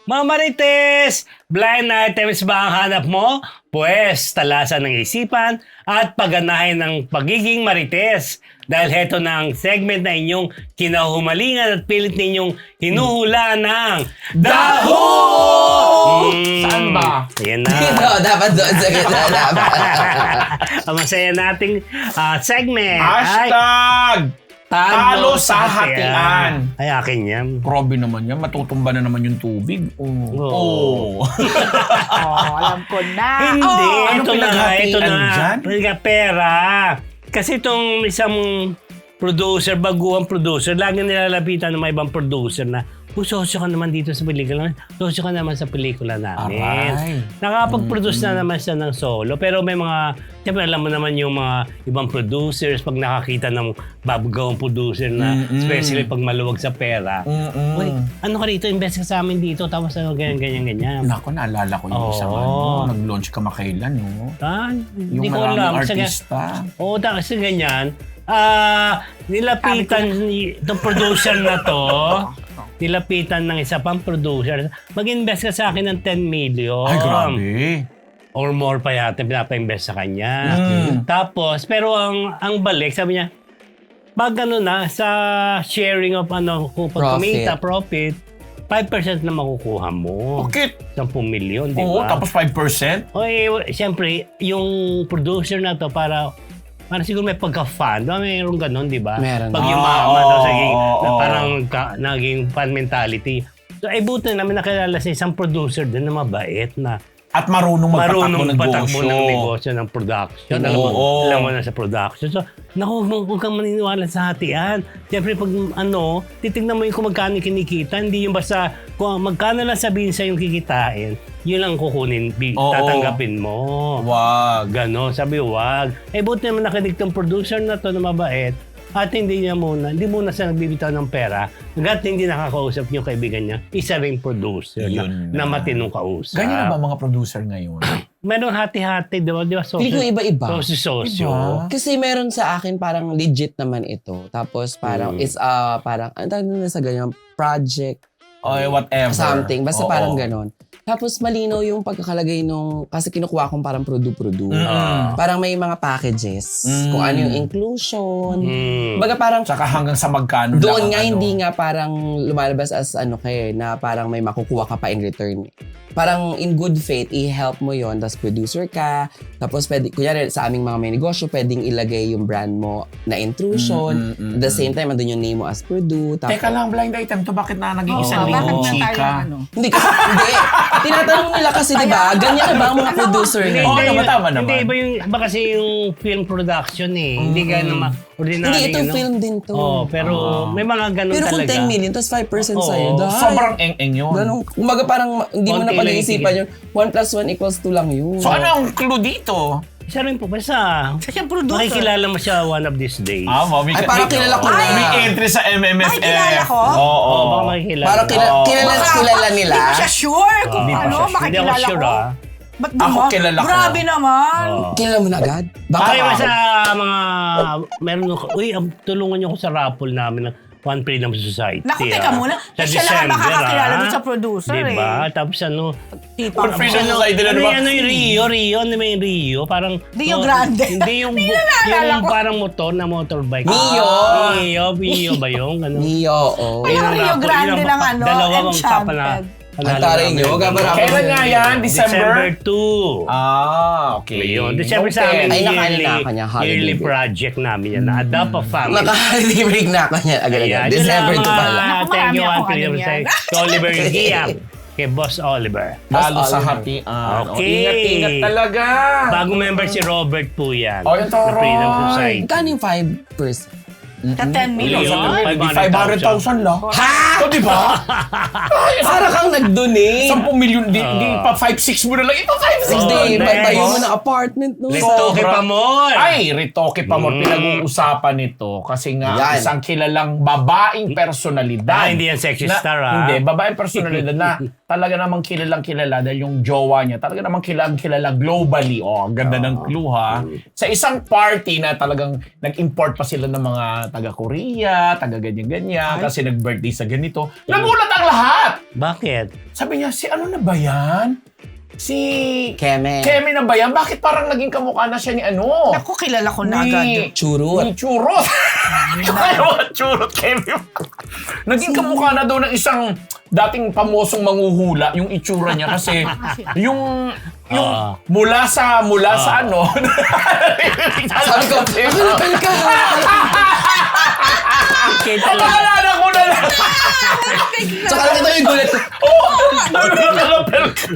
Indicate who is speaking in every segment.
Speaker 1: Mga Marites, blind items ba ang hanap mo? Pwes, talasan ng isipan at pagganahin ng pagiging Marites. Dahil heto na ang segment na inyong kinahumalingan at pilit ninyong hinuhula ng Daho!
Speaker 2: Saan ba?
Speaker 1: Ayan na.
Speaker 3: Dito, dapat doon sa gitna dapat.
Speaker 1: Ang masaya nating segment.
Speaker 2: Hashtag! Talo sa hatian.
Speaker 1: Ay, akin yan.
Speaker 2: Grabe naman yan. Matutumba na naman yung tubig.
Speaker 1: Oo.
Speaker 4: Alam ko na.
Speaker 1: Hindi,
Speaker 2: ano
Speaker 1: ito na nga, ito
Speaker 2: pinaghatian
Speaker 1: na.
Speaker 2: dyan?
Speaker 1: Pera. Kasi itong isang producer, baguang producer, lagi nilalapitan ng mga ibang producer na, sosyo ka naman dito sa pelikula. Sosyo ka naman sa pelikula namin.
Speaker 2: Aray.
Speaker 1: Nakapag-produce na naman siya ng solo. Pero may mga, siyempre alam mo naman yung mga ibang producers, pag nakakita ng babagawang producer na, especially pag maluwag sa pera. Uy, ano ka rito? Invest ka sa amin dito. Tapos ano, ganyan.
Speaker 2: Nako, naalala ko yung isang nag-launch ka makailan, no?
Speaker 1: Hindi
Speaker 2: Yung
Speaker 1: ko
Speaker 2: maraming
Speaker 1: alam.
Speaker 2: artista.
Speaker 1: Oo, kasi ganyan. Nilapitan itong producer na to. Nilapitan ng isa pang producer. Mag-invest ka sa akin ng 10 million.
Speaker 2: Ay, grabe.
Speaker 1: Or more pa yata pinapa-invest sa kanya. Tapos, pero ang balik, sabi niya, pag ano na, sa sharing of kung pag kumita, profit, 5% na makukuha mo.
Speaker 2: Bakit?
Speaker 1: 10 million, di ba?
Speaker 2: Oo, tapos 5%?
Speaker 1: O siyempre, yung producer na to para siguro may pagka-fan. Mayroong ganun, di ba?
Speaker 3: Meron.
Speaker 1: Pag yumaman, parang naging fan mentality. So, buti namin nakilala sa isang producer din na mabait na
Speaker 2: At marunong
Speaker 1: patakbo ng negosyo ng production. Alam mo na sa production. So, huwag kang maniniwala sa hatian. Siyempre, pag titignan mo yung kung magkano kinikita, hindi yung basta kung magkano lang sabihin sa yung kikitain, yun lang kukunin, tatanggapin mo.
Speaker 2: Wag.
Speaker 1: Ganon, sabi wag. Buti naman nakinig tong producer na to na mabait at hindi muna siya nagbibitaw ng pera hanggat hindi nakakausap yung kaibigan niya, isa ring producer na matinong kausap.
Speaker 2: Ganyan na ba mga producer ngayon?
Speaker 1: Meron hati-hati, di ba?
Speaker 3: Hindi ko iba-iba.
Speaker 1: Sosyo.
Speaker 2: Diba?
Speaker 3: Kasi meron sa akin parang legit naman ito. Tapos parang parang, ang tawag na sa ganyan, project,
Speaker 2: O whatever.
Speaker 3: something. Basta
Speaker 2: Oo.
Speaker 3: parang ganon. Tapos malinaw yung pagkakalagay nung, kasi kinukuha kong parang produ-produ. Parang may mga packages. Kung ano yung inclusion. Baga parang,
Speaker 2: Tsaka hanggang sa magkano
Speaker 3: doon
Speaker 2: lang
Speaker 3: nga
Speaker 2: ang
Speaker 3: hindi nga parang lumalabas as na parang may makukuha ka pa in return. Parang in good faith, i-help mo yon, tapos producer ka, tapos pwede, kunyari sa aming mga may negosyo, pwedeng ilagay yung brand mo na intrusion. At the same time, andun yung name mo as produ. Tapos,
Speaker 2: Teka lang, blind item to. Bakit na naging isang
Speaker 4: bakit
Speaker 2: lingkong
Speaker 4: na tayo
Speaker 2: chika?
Speaker 3: Hindi kasi, hindi. Tinatanong nila kasi, di ba? Ganyan na ba ang mga producer
Speaker 1: Hindi,
Speaker 3: ngayon?
Speaker 2: Oo, tama naman.
Speaker 1: Hindi, iba kasi yung film production eh. Hindi ganun ordinary.
Speaker 3: Hindi, ito film din to.
Speaker 1: Pero may mga ganun
Speaker 3: Pero kung
Speaker 1: talaga.
Speaker 3: 10 million, tapos 5% sa'yo, dahil.
Speaker 2: Sobrang eng-eng yun.
Speaker 3: Ganun. Kumbaga parang hindi mo
Speaker 1: Konti
Speaker 3: na
Speaker 1: lang
Speaker 3: pag-iisipan yun. 1 plus 1 equals 2 lang yun.
Speaker 2: So ano ang clue dito?
Speaker 1: Isa rin po, basta
Speaker 4: Siya siyang producer.
Speaker 1: makikilala mo siya one of these days.
Speaker 3: Ay, parang kilala ko na.
Speaker 2: May entry sa MMFF.
Speaker 4: Ay, kilala ko?
Speaker 2: Oo.
Speaker 1: Baka makikilala.
Speaker 3: Parang kilala nila.
Speaker 4: Hindi ko siya sure kung
Speaker 1: Hindi pa siya sure. Hindi
Speaker 4: makikilala
Speaker 1: ako sure,
Speaker 4: ko.
Speaker 1: ah.
Speaker 4: Ba't
Speaker 2: Ako
Speaker 4: naman?
Speaker 2: kilala ko.
Speaker 4: Grabe naman.
Speaker 3: Kilala mo na agad? Baka
Speaker 1: Kaya sa mga, meron ko, tulungan niyo ko sa raffle namin ng One Freedom Society.
Speaker 4: Naku, teka muna.
Speaker 1: Sa
Speaker 4: Siya lang ang
Speaker 1: December,
Speaker 4: makakakilala dun sa producer
Speaker 1: diba? Tapos
Speaker 2: One Freedom Society na naman.
Speaker 1: Rio, ano may Rio? Parang,
Speaker 4: Rio Grande.
Speaker 1: Hindi yung,
Speaker 4: naalala
Speaker 1: yung
Speaker 4: ko.
Speaker 1: parang motorbike.
Speaker 3: Mio.
Speaker 1: Mio ba yung? Ano?
Speaker 3: Neo, oh.
Speaker 4: Ay, ang Rio Grande ng
Speaker 1: Dalawang
Speaker 4: Enchanted.
Speaker 3: Ang taray niyo, gabarap.
Speaker 2: Kailan nga yan?
Speaker 1: December
Speaker 2: December?
Speaker 1: 2.
Speaker 2: Okay.
Speaker 1: Yun. December sa amin,
Speaker 3: Ay, nakaalala ka niya, holiday
Speaker 1: yearly
Speaker 3: break.
Speaker 1: project namin yan. Na-adopt a family.
Speaker 3: Maka-break na ako niya agad-agad.
Speaker 1: Ayan,
Speaker 3: December
Speaker 1: yun
Speaker 3: 2
Speaker 1: lang,
Speaker 3: pala.
Speaker 4: Naku,
Speaker 1: Thank you,
Speaker 4: marami
Speaker 1: One
Speaker 4: akong
Speaker 1: Freedom
Speaker 4: ano yan.
Speaker 1: Society. Kay Oliver Giam. Kay Boss Oliver.
Speaker 2: Talo sa
Speaker 3: Oliver.
Speaker 2: hatian.
Speaker 1: Okay.
Speaker 2: Ingat-ingat talaga.
Speaker 1: Bagong member si Robert po yan.
Speaker 2: Oh, yung
Speaker 1: Ng Freedom
Speaker 2: taray.
Speaker 1: Society.
Speaker 3: Kano yung 5%?
Speaker 4: Sa 10 million.
Speaker 1: Yun.
Speaker 2: 500,000 lang.
Speaker 3: Ha?
Speaker 2: O, di ba?
Speaker 3: Para kang nag-donate.
Speaker 2: 10 million. Di pa 5-6 mo na lang. Ito 5-6
Speaker 3: Hindi,
Speaker 2: din.
Speaker 3: patayo mo ng apartment. No?
Speaker 1: Retoke pa mo.
Speaker 2: Ay, Retoke pa mo. Pinag-uusapan nito. Kasi nga,
Speaker 3: Yan.
Speaker 2: isang kilalang babaeng personalidad.
Speaker 1: Hindi yan sexy star, ah.
Speaker 2: Hindi, babaeng personalidad na talaga namang kilalang kilala dahil yung jowa niya, talaga namang kilalang kilala globally. Oh, ang ganda ng clue ha. Sa isang party na talagang nag-import pa sila ng mga taga-Korea, taga-ganyan-ganyan, kasi nag-birthday sa ganito. Nagulat ang lahat!
Speaker 1: Bakit?
Speaker 2: Sabi niya, si ano na ba yan? Si
Speaker 3: Keme.
Speaker 2: Keme na ba yan? Bakit parang naging kamukha na siya ni ano?
Speaker 4: Ako, kilala ko na agad.
Speaker 3: Churut.
Speaker 2: Ni Churot. Ano, Churot, Keme. Naging kamukha na daw ng isang dating pamosong manguhula yung itsura niya kasi yung mula sa ano.
Speaker 3: Sabi ko, hanapin ka!
Speaker 2: Pagkalala ko na lang.
Speaker 3: Tsaka lang ito yung gulat ko.
Speaker 2: Nagkalapel ka.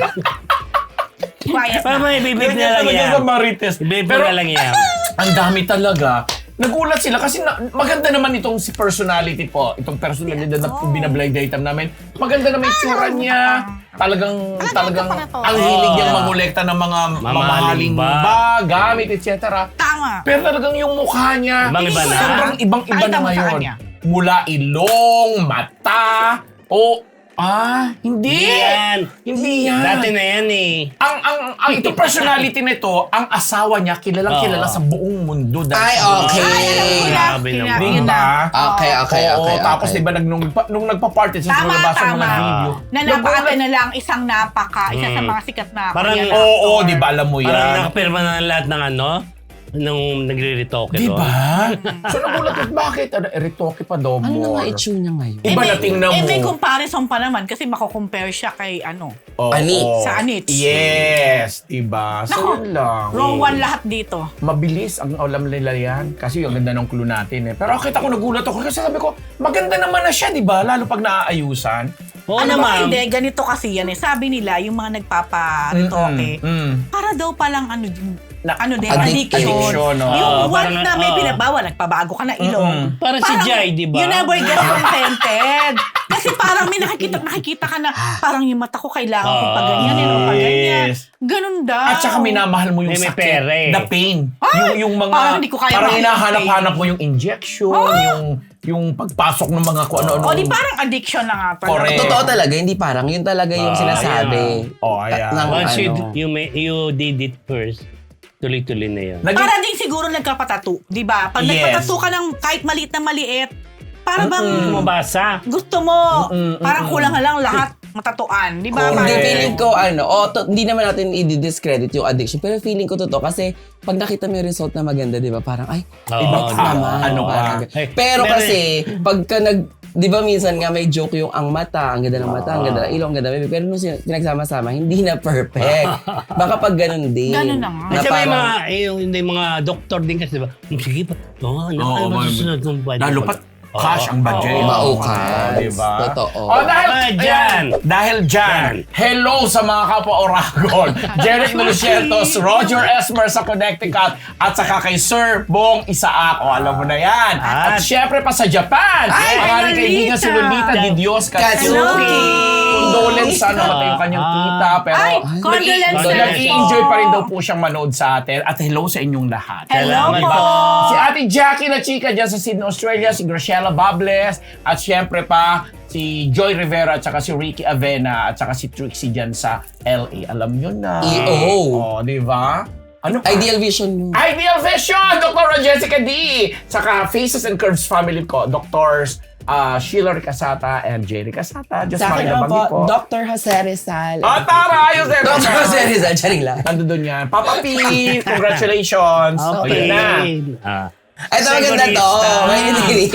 Speaker 4: Quiet
Speaker 1: Para
Speaker 4: na.
Speaker 1: may bibig na lang
Speaker 2: Talaga
Speaker 1: yan.
Speaker 2: sa Marites.
Speaker 1: Bibig
Speaker 2: Pero
Speaker 1: na lang yan.
Speaker 2: ang dami talaga. Nagulat sila kasi maganda naman itong si personality po. Itong personalidad na binablind item namin. Maganda naman yung tsura niya. Talagang ang hilig niyang mangolekta ng mga mamahaling ba, gamit, etc.
Speaker 4: Tama.
Speaker 2: Pero talagang yung mukha niya,
Speaker 1: Ibang-iba na.
Speaker 2: sobrang ibang-iba
Speaker 4: Pakita
Speaker 2: na
Speaker 4: mo sa
Speaker 2: ngayon.
Speaker 4: kanya.
Speaker 2: Mula ilong, mata, hindi. Hindi yan.
Speaker 1: Dati na yan eh.
Speaker 2: Ang itong personality nito, ang asawa niya kilala sa buong mundo.
Speaker 3: Ay, okay.
Speaker 1: Grabe naman.
Speaker 2: Di ba?
Speaker 3: Okay.
Speaker 2: Oo, tapos diba nung nagpa-party sa
Speaker 4: Tama,
Speaker 2: lumabas ng mga
Speaker 4: tama.
Speaker 2: video.
Speaker 4: Nanapaate na lang isa sa mga sikat na
Speaker 1: Parang-
Speaker 4: Korean
Speaker 2: Oo,
Speaker 4: actor.
Speaker 2: di ba alam mo
Speaker 1: Parang
Speaker 2: yan?
Speaker 1: nakapirma na lahat ng ano, nung nagre-retoke
Speaker 2: Di
Speaker 1: doon.
Speaker 2: ba? So nagulat ko, bakit? Retoke pa daw
Speaker 3: Ano na nga
Speaker 2: more.
Speaker 3: itsura niya ngayon?
Speaker 2: Iba na tingnan mo.
Speaker 4: may comparison pa naman kasi mako-compare siya kay
Speaker 2: Oo.
Speaker 3: Anit.
Speaker 4: Sa Anit.
Speaker 2: Yes, diba? So
Speaker 4: Nako,
Speaker 2: yun lang.
Speaker 4: wrong one lahat dito.
Speaker 2: Mabilis ang alam nila yan. Kasi yung ganda ng clue natin eh. Pero kita ko nagulat ako kasi sabi ko, maganda naman na siya, di ba? Lalo pag naaayusan.
Speaker 1: Oo
Speaker 4: Ano ba,
Speaker 1: naman.
Speaker 4: hindi, ganito kasi yan eh. Sabi nila, yung mga nagpapa-retoke, para daw palang addiction.
Speaker 2: no?
Speaker 4: Yung
Speaker 1: parang,
Speaker 4: once na may pinabawal, nagpabago ka na ilong.
Speaker 1: Parang si Jai, di ba?
Speaker 4: You never get contented. Kasi parang may nakikita ka na parang yung mata ko kailangan kong paganyanin o paganyan.
Speaker 2: Yes.
Speaker 4: Ganun daw.
Speaker 2: At saka minamahal mo yung
Speaker 1: May
Speaker 2: sakit.
Speaker 1: pera eh.
Speaker 2: The pain.
Speaker 4: Ay,
Speaker 2: yung mga,
Speaker 4: parang hindi ko kaya
Speaker 2: parang
Speaker 4: mahal yung
Speaker 2: hinahanap-hanap mo yung injection, yung pagpasok ng mga kung ano-ano.
Speaker 4: O di parang addiction na nga pala.
Speaker 2: Correct.
Speaker 3: Totoo talaga, hindi parang. Yun talaga yung sinasabi.
Speaker 2: Ayan.
Speaker 3: Ng
Speaker 1: Once
Speaker 3: ano.
Speaker 1: you did it first, tuloy-tuloy na yan.
Speaker 4: Para din siguro nagkapatattoo, di ba? Pag
Speaker 2: Yes.
Speaker 4: nagpatattoo ka ng kahit maliit na maliit, para bang
Speaker 1: Mabasa.
Speaker 4: gusto mo, parang kulang na lang lahat matatuan, di ba?
Speaker 3: Hindi,
Speaker 2: Correct.
Speaker 3: feeling ko, hindi naman natin i-discredit yung addiction, pero feeling ko totoo kasi pag nakita mo yung result na maganda, di ba, parang, ay,
Speaker 1: Oo,
Speaker 3: ibang
Speaker 1: di ba?
Speaker 3: naman.
Speaker 2: Ano
Speaker 3: parang,
Speaker 2: ka?
Speaker 1: Ay,
Speaker 3: pero
Speaker 1: meron-
Speaker 3: kasi, pagka di ba minsan nga may joke yung ang mata, ang ganda ng mata, ang ganda ng ilong, ang ganda ng bibig, pero nung pinagsama-sama, hindi na perfect. Baka pag ganun din.
Speaker 4: Ganun na nga.
Speaker 1: Kasi may
Speaker 3: parang-
Speaker 1: mga, yung mga doktor din kasi, di ba? Sige pa. Ano ba susunod kong budget?
Speaker 2: Lalo pat cash ang budget.
Speaker 3: Maukas.
Speaker 2: Diba?
Speaker 3: Totoo.
Speaker 2: Dahil dyan, hello sa mga kapwa Oragon. Jeric Lucientos, Roger Esmer sa Connecticut, at saka kay Sir Bong Isaak. O, alam mo na yan. At syempre pa sa Japan, ang ating kaibigan si Lolita Di Dios Katsuki. Condolence sa namatay yung kanyang tita. Pero
Speaker 4: Ay, condolences.
Speaker 2: nag-i-enjoy pa rin daw po siyang manood sa atin. At hello sa inyong lahat.
Speaker 4: Hello
Speaker 1: Salamat
Speaker 4: po.
Speaker 1: po.
Speaker 2: Si Ate Jackie na chika dyan sa Sydney, Australia, si Graciela Bables, at syempre pa si Joy Rivera, at saka si Ricky Avena, at saka si Trixie dyan sa LA. Alam nyo na.
Speaker 3: EO.
Speaker 2: Oh, di ba? Ano pa?
Speaker 3: Ideal Vision mo.
Speaker 2: Ideal Vision! Dr. Jessica D! Saka Faces and Curves family ko, Doctors Sheila Ricasata and Jay Ricasata. Just
Speaker 3: Sa akin
Speaker 2: Maria
Speaker 3: naman po,
Speaker 2: Bangi po.
Speaker 3: Dr. Jose Rizal.
Speaker 2: Tara! Ayos na
Speaker 3: Dr. Jose Rizal, charing lang.
Speaker 2: Nandun doon yan. Papa P! Congratulations! O, yun na.
Speaker 3: Ito maganda to.
Speaker 1: Segurista.
Speaker 3: Mainit-init.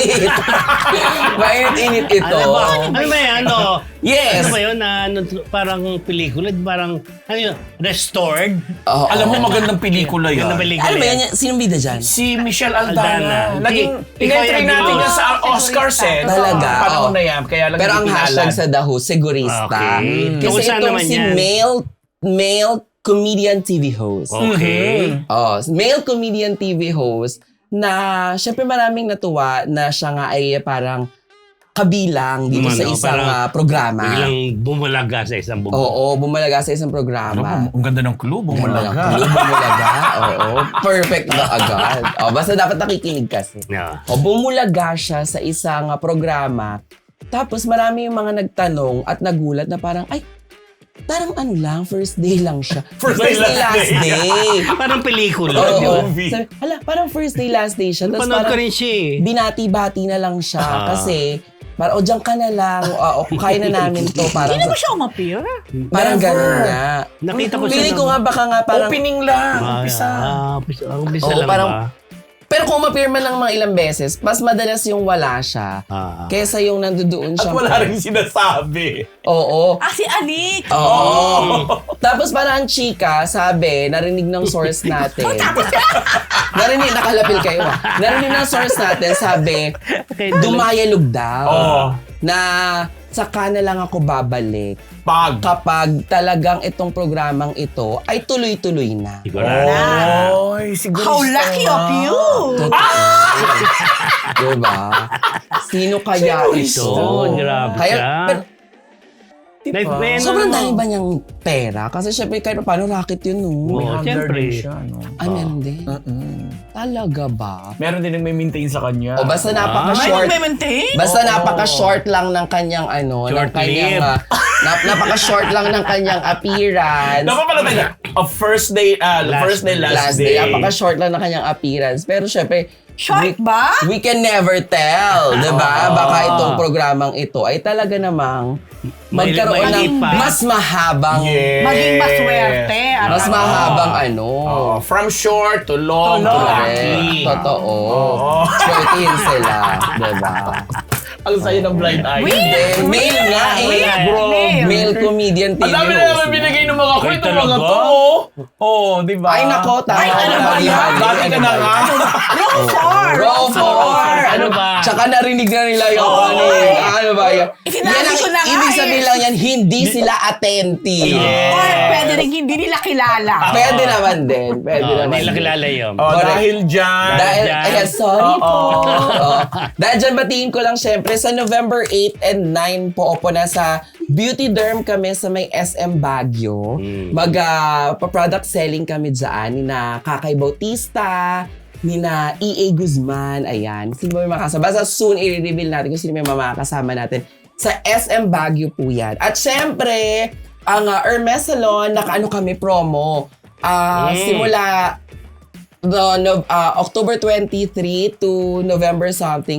Speaker 3: Mainit-init ito.
Speaker 1: Ano ba yan? Ano?
Speaker 3: Yes.
Speaker 1: Ano ba yun? Parang pelikula, parang, ano yun? Restored?
Speaker 3: Oo.
Speaker 2: Alam mo, magandang pelikula yan.
Speaker 1: Ganda pelikula
Speaker 3: Ano ba
Speaker 1: yan.
Speaker 3: yan? Sinong bida dyan?
Speaker 2: Si Michelle
Speaker 1: Aldana.
Speaker 2: Aldana. Naging,
Speaker 1: Ikaw
Speaker 2: in-entry
Speaker 1: yung
Speaker 2: natin
Speaker 1: gulo.
Speaker 2: yan sa Oscars eh.
Speaker 3: Talaga,
Speaker 2: Panahon
Speaker 3: oo.
Speaker 2: na yan. Kaya lang
Speaker 3: Pero ang
Speaker 2: hindi
Speaker 3: hashtag
Speaker 2: pinalad.
Speaker 3: sa The Who, segurista.
Speaker 1: Okay.
Speaker 3: Kasi
Speaker 1: Kung saan
Speaker 3: itong
Speaker 1: naman
Speaker 3: si
Speaker 1: yan?
Speaker 3: male comedian TV host.
Speaker 1: Okay.
Speaker 3: Oh, male comedian TV host na syempre maraming natuwa na siya nga ay parang kabilang dito sa isang programa.
Speaker 1: Biglang bumulaga sa isang bubong.
Speaker 3: Oo, bumalaga sa isang programa.
Speaker 2: Ang ganda ng clue, bumalaga.
Speaker 3: Bumulaga. Oo, perfect na agad. Oh, basta dapat nakikinig kasi.
Speaker 1: Yeah.
Speaker 3: O, bumulaga siya sa isang programa. Tapos marami yung mga nagtanong at nagulat na parang, ay, Parang ano lang, first day lang siya.
Speaker 2: First day, last day.
Speaker 1: Parang pelikula,
Speaker 3: Oo.
Speaker 1: di ba?
Speaker 2: movie.
Speaker 3: Sabi, parang first day, last day siya. Tapos
Speaker 1: Napanood ko
Speaker 3: parang
Speaker 1: rin siya eh.
Speaker 3: binati-bati na lang siya. Kasi, parang, diyan ka na lang. Kaya na namin to. Parang,
Speaker 4: Hindi na ba siya umapir?
Speaker 3: parang
Speaker 2: Never.
Speaker 3: ganun nga.
Speaker 1: Nakita ko siya.
Speaker 3: Feeling ko nga baka nga parang,
Speaker 2: Opening lang. Umpisa.
Speaker 1: Umpisa
Speaker 3: Oo,
Speaker 1: lang
Speaker 3: parang-
Speaker 1: ba?
Speaker 3: pero kung mapirma ng mga ilang beses, mas madalas yung wala siya. Kesa yung nandoon
Speaker 2: At
Speaker 3: siya.
Speaker 2: wala rin sinasabi.
Speaker 3: Oo.
Speaker 4: Si Anik.
Speaker 3: Oo. Tapos parang ang chika, sabi, narinig ng source natin. Nakalapil kayo Narinig ng source natin, sabi, dumayalog daw.
Speaker 2: Oo.
Speaker 3: Na saka na lang ako babalik
Speaker 2: Pag.
Speaker 3: kapag talagang itong programang ito ay tuloy-tuloy na.
Speaker 1: Sigurado.
Speaker 2: Oy, siguro.
Speaker 4: How lucky of you!
Speaker 3: Diba? Sino kaya ito?
Speaker 1: Grabe
Speaker 3: Kaya,
Speaker 1: siya.
Speaker 3: pero,
Speaker 1: Like, may ano
Speaker 3: sobrang
Speaker 1: naman.
Speaker 3: dami ba niyang pera? Kasi syempre, kahit paano racket yun, no?
Speaker 1: Oo, siyempre.
Speaker 3: Ay, meron din. Talaga ba?
Speaker 2: Meron din yung may maintain sa kanya.
Speaker 3: O basta
Speaker 4: May
Speaker 3: napaka-short.
Speaker 4: nagme-maintain?
Speaker 3: Basta napaka-short lang ng kanyang ano, ng
Speaker 1: Short
Speaker 3: kanyang
Speaker 1: lived.
Speaker 3: napaka-short lang ng kanyang appearance.
Speaker 2: Dapat pala tayo. First day, last day.
Speaker 3: Napaka-short lang ng kanyang appearance. Pero syempre,
Speaker 4: Short ba?
Speaker 3: we can never tell, 'di ba? Baka itong programang ito ay talaga namang magkaroon
Speaker 1: maliit
Speaker 3: ng
Speaker 1: pa.
Speaker 3: mas mahabang
Speaker 2: Yes.
Speaker 4: Maging maswerte. at
Speaker 3: mas
Speaker 4: ano.
Speaker 3: mahabang ano.
Speaker 2: Oh, from short to long to
Speaker 4: long.
Speaker 2: lucky.
Speaker 3: Totoo.
Speaker 2: Oo.
Speaker 3: Swertihin sila, 'di ba?
Speaker 2: Ang sayo ng blind eye.
Speaker 3: Then, male nga
Speaker 2: Bro.
Speaker 3: Male comedian TV
Speaker 2: Ang dami na
Speaker 3: host.
Speaker 2: naman binigay ng mga ko.
Speaker 1: Ay,
Speaker 2: Itong mga
Speaker 1: talaga?
Speaker 2: to. Oh, di ba?
Speaker 3: Ay, nako, tama.
Speaker 4: Ay, ano ba yan?
Speaker 2: Dati ka na nga.
Speaker 4: Row 4!
Speaker 3: Row 4!
Speaker 1: Ano ba?
Speaker 3: Tsaka narinig na nila yung ano ba yan?
Speaker 4: Sinabi ko na nga
Speaker 3: Ibig
Speaker 4: eh.
Speaker 3: sabihin lang yan, hindi sila attentive.
Speaker 2: Yeah.
Speaker 4: Or pwede rin hindi nila kilala.
Speaker 3: Pwede naman din. Pwede naman
Speaker 1: Hindi nila
Speaker 3: din.
Speaker 1: kilala yun.
Speaker 2: Oh,
Speaker 3: Correct.
Speaker 2: dahil dyan.
Speaker 3: Dahil,
Speaker 1: Dyan.
Speaker 3: ayan, sorry po.
Speaker 2: Oo.
Speaker 3: Oo. Dahil dyan, batiin ko lang syempre, sa November 8 and 9 po, opo na sa Beauty Derm kami sa may SM Baguio. Pa-product selling kami dyan, ni na Kakay Bautista, ni na EA Guzman, ayan. Sino ba may makasama? Basta soon, i-reveal natin kung sino may makasama natin. Sa SM Baguio po yan. At syempre, ang Hermes Salon, nakaano kami promo. Simula October 23 to November something,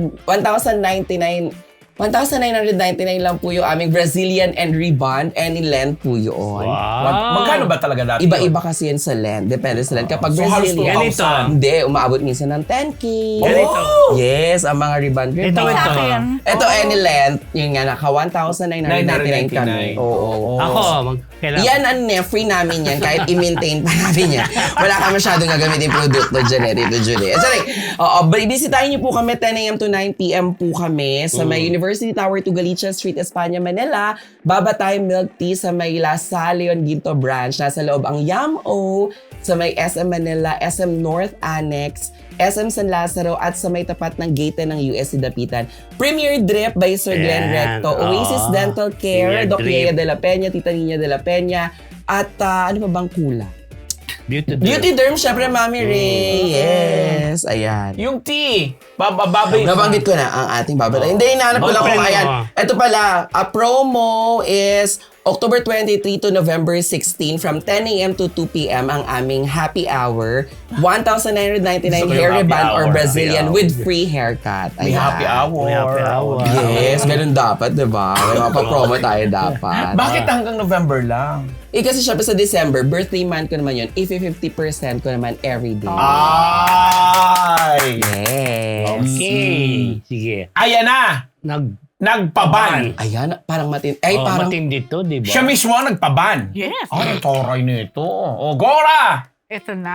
Speaker 3: 1,999 lang po yung aming Brazilian and rebond. Any length po yun.
Speaker 2: Magkano ba talaga dati?
Speaker 3: Iba-iba kasi yan sa length. Depende sa length. Kapag
Speaker 2: So, halos
Speaker 3: Brazilian,
Speaker 2: 2,000.
Speaker 3: hindi, umaabot minsan ng 10K.
Speaker 1: Ganito.
Speaker 3: Yes, ang mga rebond.
Speaker 1: Ito,
Speaker 4: Sa
Speaker 1: ito.
Speaker 4: akin.
Speaker 3: Ito, any length, yun nga, naka 1,999 kami. Oo.
Speaker 1: Ako, kailangan.
Speaker 3: Yan, free namin yan. Kahit i-maintain pa namin yan. Wala ka masyadong gagamitin produkto dyan Tito Julie. Sorry. Bisitahin niyo po kami 10 a.m. to 9 p.m. po kami sa may University Tower to Galicia Street, Espanya, Manila. Babatay Milk Tea sa may La Salle Leon Ginto branch. Nasa loob ang Yam-O sa may SM Manila, SM North Annex, SM San Lazaro at sa may tapat ng gate ng USC Dapitan. Premier Drip by Sir Glenn
Speaker 1: Ayan.
Speaker 3: Recto. Oasis
Speaker 1: Oo.
Speaker 3: Dental Care,
Speaker 1: Premier
Speaker 3: Doc
Speaker 1: Drip.
Speaker 3: Yaya de la Peña, Tita Nina de la Peña, at ano pa bang kula?
Speaker 1: Beauty
Speaker 3: Beauty Derm, syempre, Mami Ray. Yes. Ayan.
Speaker 2: Yung tea. Babay.
Speaker 3: Nabanggit ko na ang ating babatay. Hindi, hinahanap ko lang kung
Speaker 1: Open
Speaker 3: ayan.
Speaker 1: mo.
Speaker 3: Ito pala, a promo is October 23 to November 16 from 10 a.m. to 2 p.m. ang aming happy hour. 1,999
Speaker 2: Gusto ko yung
Speaker 3: hair
Speaker 2: happy
Speaker 3: reband or
Speaker 2: hour,
Speaker 3: Brazilian
Speaker 2: happy hour.
Speaker 3: with free haircut.
Speaker 2: May
Speaker 3: Ayan.
Speaker 2: happy hour.
Speaker 1: May happy hour.
Speaker 3: Yes, ganun dapat, diba? May mapapromo tayo dapat.
Speaker 2: Bakit hanggang November lang?
Speaker 3: Kasi syempre sa December, birthday month ko naman yun. 50% ko naman every day.
Speaker 2: Ay!
Speaker 3: Yes.
Speaker 1: Okay. Sige.
Speaker 2: Ayan na! Nagpaban.
Speaker 3: Ayan, parang ay, parang
Speaker 1: matindi to, di ba?
Speaker 2: Siya mismo ang nagpaban.
Speaker 4: Yes.
Speaker 2: Ay, toray nito. O, Gora!
Speaker 4: Ito na.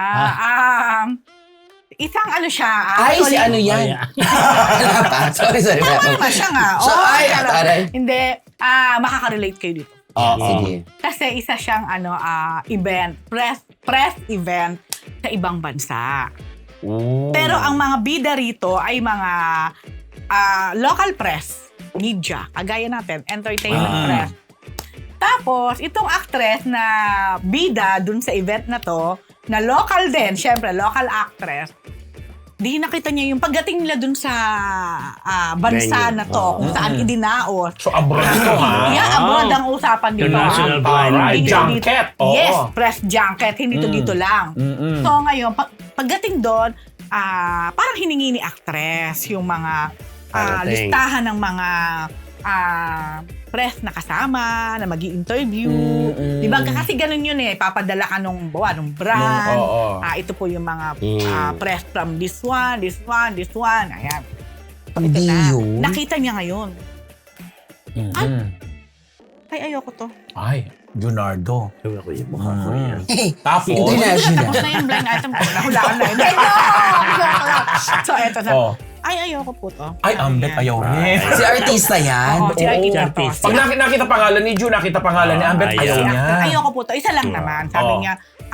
Speaker 4: Isang ano siya.
Speaker 3: Ay, si ano yan? Wala pa. Sorry.
Speaker 4: Tama naman siya nga.
Speaker 3: So, ay,
Speaker 4: alam.
Speaker 3: aray.
Speaker 4: Hindi. Makaka-relate kayo dito.
Speaker 3: Sige.
Speaker 4: Kasi isa siyang event, press event sa ibang bansa. Pero ang mga bida rito ay mga local press, media, kagaya natin, entertainment press. Tapos, itong actress na bida dun sa event na to, na local din, syempre, local actress, di nakita niya yung pagdating nila dun sa bansa
Speaker 1: Venue.
Speaker 4: na to, kung saan idinaos.
Speaker 2: So, abroad ito, ha?
Speaker 4: Yeah, abroad ang usapan dito.
Speaker 1: International blind
Speaker 2: Alright,
Speaker 1: item.
Speaker 2: junket. Oo.
Speaker 4: Yes, press junket. Hindi to dito lang.
Speaker 2: Mm-mm.
Speaker 4: So ngayon, pagdating doon, parang hiningi ni actress yung mga
Speaker 1: Parating.
Speaker 4: listahan ng mga press na kasama, na mag-i-interview. Diba? Kasi ganun yun eh. Papadala ka nung brand.
Speaker 2: Oo.
Speaker 4: Ito po yung mga press from this one. Ayan. So, ito
Speaker 3: Hindi
Speaker 4: na.
Speaker 3: yun.
Speaker 4: Nakita niya ngayon.
Speaker 2: Mhm.
Speaker 4: Ay, ayoko to.
Speaker 2: Ay, Leonardo.
Speaker 1: Sabi ko, yung mukha ko yan.
Speaker 2: Tapos,
Speaker 3: International.
Speaker 4: Tapos na yung blind item ko. Nahulaan na yun. So, eto na.
Speaker 2: oh.
Speaker 4: Ay, ayoko po to.
Speaker 2: Ay, Ambet, ayaw rin.
Speaker 3: Si artista yan.
Speaker 4: Oo, si artista to.
Speaker 1: artista.
Speaker 2: Pag nakita pangalan ni Ju, nakita pangalan ni Ambet,
Speaker 1: ayaw.
Speaker 2: ayaw
Speaker 4: Si
Speaker 2: niya.
Speaker 4: actor, ayoko po to. Isa lang naman. Sabi
Speaker 2: Oo.
Speaker 4: niya,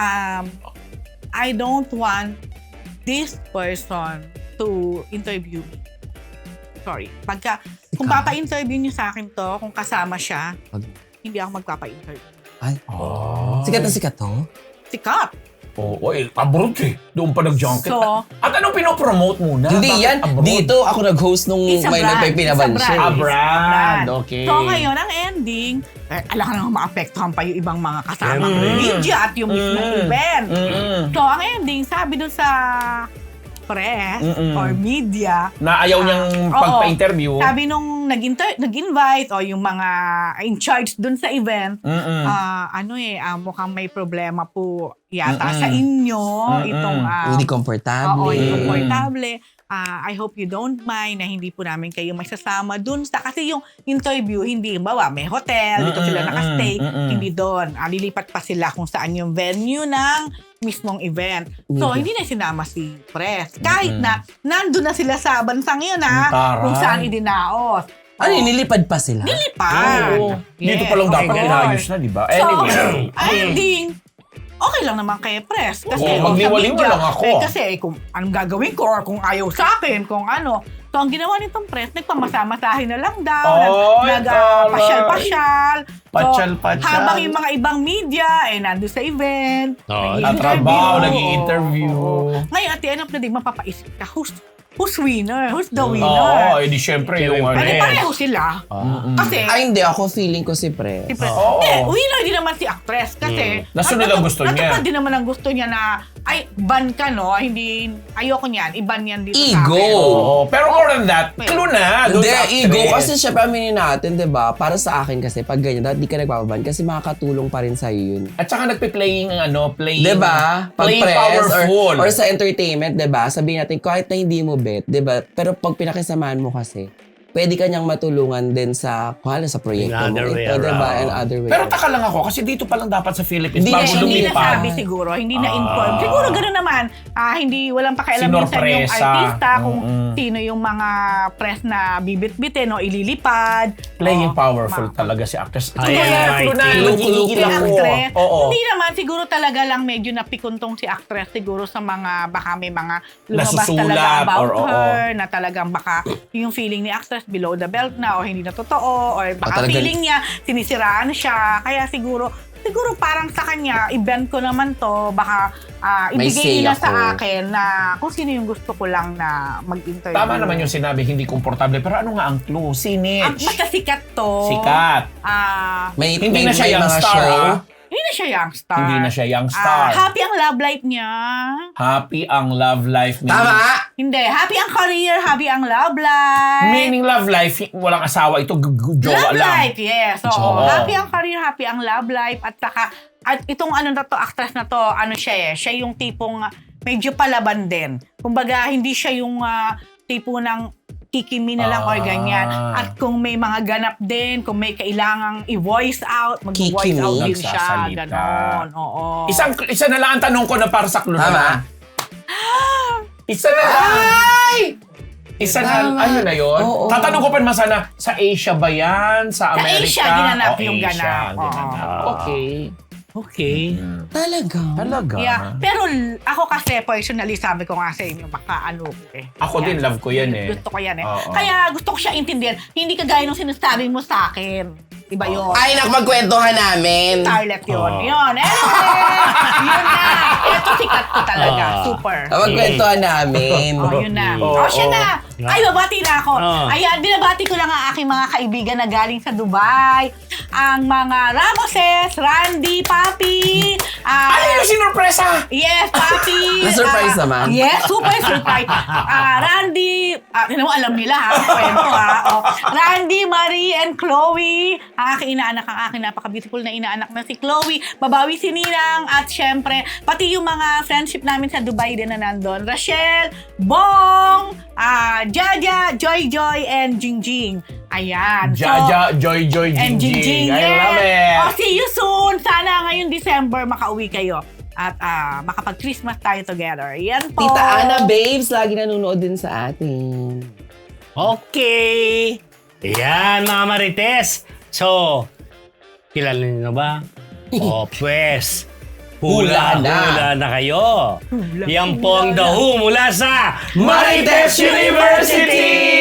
Speaker 4: I don't want this person to interview me. Sorry. Kung papa-interview niyo sa akin to, kung kasama siya, hindi ako magpapa-interview.
Speaker 3: Ay,
Speaker 2: Oh.
Speaker 3: sikat na sikat to.
Speaker 4: Sikat.
Speaker 2: Oo, abroad eh. Doon pa nag-junket.
Speaker 4: So,
Speaker 2: At anong pinopromote muna?
Speaker 3: Hindi
Speaker 2: Bakit
Speaker 3: yan.
Speaker 2: abroad?
Speaker 3: Dito ako nag-host nung
Speaker 4: It's a
Speaker 3: may
Speaker 4: brand.
Speaker 3: nagpipinabanso.
Speaker 4: It's a brand.
Speaker 2: brand. Okay.
Speaker 4: So ngayon, ang ending, alam ka naman maapektuhan pa yung ibang mga kasama
Speaker 1: Siyempre.
Speaker 4: media at yung mismong event.
Speaker 2: Mm-mm.
Speaker 4: So ang ending, sabi dun sa press
Speaker 2: Mm-mm.
Speaker 4: or media,
Speaker 2: Na ayaw niyang
Speaker 4: Oo.
Speaker 2: pagpa-interview.
Speaker 4: sabi nung nag-invite o yung mga in charge dun sa event,
Speaker 2: Mm-mm.
Speaker 4: mukhang may problema po yata
Speaker 2: Mm-mm.
Speaker 4: sa inyo itong
Speaker 3: Hindi komportable.
Speaker 4: oo, hindi komportable. I hope you don't mind na hindi po namin kayo maisasama dun sa, kasi yung interview, hindi, bawa, may hotel, dito sila nakastay, hindi doon. Lilipat pa sila kung saan yung venue ng mismong event. So, hindi na sinama si press. Kahit na, nandun na sila sa bansang yun,
Speaker 2: Taray.
Speaker 4: kung saan idinaos.
Speaker 3: Ano yun, nilipad pa sila?
Speaker 4: Nilipad.
Speaker 2: Oo. Dito pa lang
Speaker 4: Yes,
Speaker 2: dapat
Speaker 4: okay.
Speaker 2: inayos na, di ba?
Speaker 4: So,
Speaker 2: Anyway.
Speaker 4: ending, okay lang naman kay press. Kasi
Speaker 2: Oo,
Speaker 4: kung sa
Speaker 2: magliwaliw
Speaker 4: media,
Speaker 2: lang ako.
Speaker 4: kasi kung anong gagawin ko or kung ayaw sa akin, kung ano. So, ang ginawa nitong press, nagpamasahe na lang daw.
Speaker 2: Ay,
Speaker 4: Nag-pasyal-pasyal.
Speaker 2: Pasyal-pasyal.
Speaker 4: Habang yung mga ibang media, nandun sa event.
Speaker 1: Oo,
Speaker 2: Tatrabaho,
Speaker 4: nag-i-interview.
Speaker 2: nag-i-interview.
Speaker 4: Oo. Ngayon, at the end of the day, mapapaisip ka, who's winner? Who's the
Speaker 2: Oo,
Speaker 4: winner?
Speaker 2: edi syempre yung ano
Speaker 4: Pwede
Speaker 2: eh.
Speaker 4: pareho sila. Kasi,
Speaker 3: Ay, hindi. Ako feeling ko si Pre.
Speaker 4: si press.
Speaker 2: Oo.
Speaker 4: Winner din naman si actress kasi
Speaker 2: Nasunod ang gusto niya.
Speaker 4: natupad din naman ang gusto niya na ay ban ka no, hindi ayoko niyan, iban yan dito
Speaker 3: Ego.
Speaker 4: sa akin.
Speaker 2: Oo, pero more than that, clue na. doon
Speaker 3: Hindi,
Speaker 2: sa actress.
Speaker 3: ego. Kasi syempre aminin natin, di ba? Para sa akin kasi, pag ganyan, dapat di ka nagpapaban kasi makakatulong pa rin sa'yo yun.
Speaker 2: At saka nagpe-playing, playing...
Speaker 3: Di ba? Pag
Speaker 2: Playing
Speaker 3: press
Speaker 2: powerful.
Speaker 3: or sa entertainment, di ba? Sabihin natin, kahit na hindi mo bet, di ba? Pero pag pinakisamahan mo kasi, pwede ka niyang matulungan din sa proyekto mo.
Speaker 1: Another way
Speaker 3: Ito, di ba?
Speaker 1: around.
Speaker 3: In other way.
Speaker 2: Pero taka lang ako, kasi dito pa lang dapat sa Philippines,
Speaker 3: Hindi,
Speaker 2: bago
Speaker 4: Hindi
Speaker 2: lumipad.
Speaker 4: nasabi siguro, hindi na-inform. Siguro gano'n naman, walang pakialam minsan yung
Speaker 2: Sinorpresa.
Speaker 4: artista kung sino yung mga press na bibit-bitin o ililipad.
Speaker 2: Playing
Speaker 4: O,
Speaker 2: powerful talaga si actress.
Speaker 1: Ay,
Speaker 2: Clue na,
Speaker 1: ay,
Speaker 2: nagigigil
Speaker 4: Si
Speaker 2: ako.
Speaker 4: actress.
Speaker 2: Oo.
Speaker 4: Hindi naman, siguro talaga lang medyo napikuntong si actress siguro sa mga, baka may mga lumabas
Speaker 2: Nasusulat
Speaker 4: talaga about
Speaker 2: or oo.
Speaker 4: her, na talagang baka yung feeling ni actress below the belt na o hindi na totoo, or baka
Speaker 3: talagang-
Speaker 4: feeling niya, sinisiraan siya. Kaya siguro parang sa kanya, event ko naman to, baka
Speaker 3: May say
Speaker 4: ibigay nila
Speaker 3: ako.
Speaker 4: sa akin na kung sino yung gusto ko lang na mag-interview.
Speaker 2: Tama naman yung sinabi, hindi komportable. Pero ano nga ang clue? Sinich.
Speaker 4: Basta sikat to.
Speaker 2: Sikat.
Speaker 3: may
Speaker 2: Hindi na siya young
Speaker 3: mga
Speaker 2: star,
Speaker 3: show.
Speaker 4: Hindi na siya young star.
Speaker 2: Hindi na siya young star.
Speaker 4: Happy ang love life niya.
Speaker 2: Happy ang love life niya.
Speaker 3: Tama!
Speaker 4: Hindi. Happy ang career, happy ang love life.
Speaker 2: Meaning love life, walang asawa. Ito, jowa
Speaker 4: Love
Speaker 2: lang.
Speaker 4: life, yes. So,
Speaker 2: Oo.
Speaker 4: happy ang career, happy ang love life. At saka, itong actress na to, siya siya yung tipong medyo palaban din. Kumbaga, hindi siya yung tipo ng kikimi na lang or ganyan. At kung may mga ganap din, kung may kailangang i-voice out, mag-voice
Speaker 3: Kikimi?
Speaker 4: out din siya.
Speaker 2: Nagsasalita.
Speaker 4: Ganon, oo.
Speaker 2: Isa na lang ang tanong ko na para sa clue
Speaker 3: Tama.
Speaker 2: naman. Isa na lang. Isa na, ano na yun?
Speaker 3: Oo.
Speaker 2: Tatanong ko pa naman sana, sa Asia ba yan? Sa Amerika?
Speaker 4: Asia, ginanap
Speaker 2: O,
Speaker 4: yung
Speaker 2: Asia,
Speaker 4: ganap.
Speaker 2: ginanap.
Speaker 1: Oo.
Speaker 2: Okay.
Speaker 1: Okay.
Speaker 3: Talaga?
Speaker 2: Talaga?
Speaker 4: Yeah. Pero ako kasi personally, sabi ko nga sa inyo, baka ko eh.
Speaker 2: Ako din, love ko yan eh.
Speaker 4: Gusto ko yan eh.
Speaker 2: Oo.
Speaker 4: Kaya gusto ko siya intindihan. Hindi kagaya nung sinasabi mo sa akin. Iba yun.
Speaker 3: Ay, nakapagkwentuhan namin.
Speaker 4: Starlet yun.
Speaker 1: Oh.
Speaker 4: Yun. Anyway, yun na. Ito sikat ko talaga. Super.
Speaker 3: Nakapagkwentuhan namin.
Speaker 4: Oh, yun na.
Speaker 2: Oh,
Speaker 4: Siya na. Ay, babati na ako.
Speaker 1: Oh.
Speaker 4: Ayan, binabati ko lang ang aking mga kaibigan na galing sa Dubai. Ang mga Ramoses, Randy, Papi.
Speaker 2: Ano yung sinurpresa?
Speaker 4: Yes, Papi.
Speaker 3: Na-surprise naman.
Speaker 4: Yes, super surprise. Randy, alam nila ha, kwento ha. Oh. Randy, Marie, and Chloe. Ang aking inaanak, ang aking napaka-beautiful na inaanak na si Chloe. Babawi si Ninang. At syempre, pati yung mga friendship namin sa Dubai din na nandun. Rachel, Bong, Jaja, Joy Joy, and Jingjing. Ayan.
Speaker 2: Jaja, Joy,
Speaker 4: And Jingjing.
Speaker 2: I love it.
Speaker 4: Oh, see you soon. Sana ngayong December makauwi kayo. At makapag-Christmas tayo together. Yan po.
Speaker 3: Tita Ana, babes, lagi nanonood din sa atin.
Speaker 1: Okay. Ayan, mga Marites. So, kilala niyo na ba? O, pues,
Speaker 3: Hula na.
Speaker 1: kayo. Yan po ang The Who mula sa
Speaker 2: Marites University!